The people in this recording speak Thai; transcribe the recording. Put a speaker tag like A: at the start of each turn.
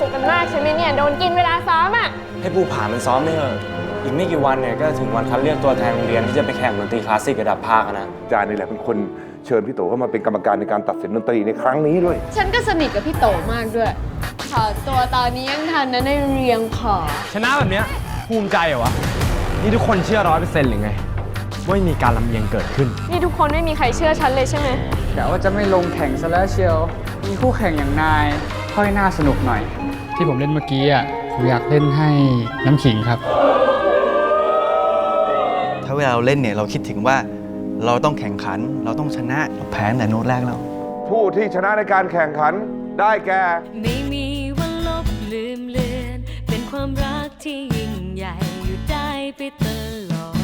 A: สุขกันมากใช่ไหมเนี่ยโดนกินเวลาซ้อมอ่ะ
B: ให้ภูผามันซ้อมไม่เถอะอีกไม่กี่วันเนี่ยก็ถึงวันคัดเลือกตัวแทนโรงเรียนที่จะไปแข่งดนตรีคลาสสิกระดับภาคนะ
C: อาจารย์นี่แหละเป็นคนเชิญพี่โตเข้ามาเป็นกรรมการในการตัดสินดนตรีในครั้งนี้ด้วย
A: ฉันก็สนิทกับพี่โตมากด้วยขอตัวตอนนี้ยังทันนะในเรียงขอ
B: ชนะแบบเนี้ยภูมิใจเหรอวะนี่ทุกคนเชื่อ100%หรือไงว่าไม่มีการลำเอียงเกิดขึ้น
A: นี่ทุกคนไม่มีใครเชื่อฉันเลยใช่ไหม
D: กะว่าจะไม่ลงแข่งซะแล้วเชียวมีคู่แข่งอย่างนายค่อยน่าสนุกหน่อยที่ผมเล่นเมื่อกี้อ่ะผมอยากเล่นให้น้ำขิงครับ
E: ถ้าเวลาเราเล่นเนี่ยเราคิดถึงว่าเราต้องแข่งขันเราต้องชนะเราแพ้ตั้งแต่โน้ตแรกแล้ว
C: ผู้ที่ชนะในการแข่งขันได้แก่
F: ไม่มีวันลบลืมเลือนเป็นความรักที่ยิ่งใหญ่อยู่ได้ไปตลอด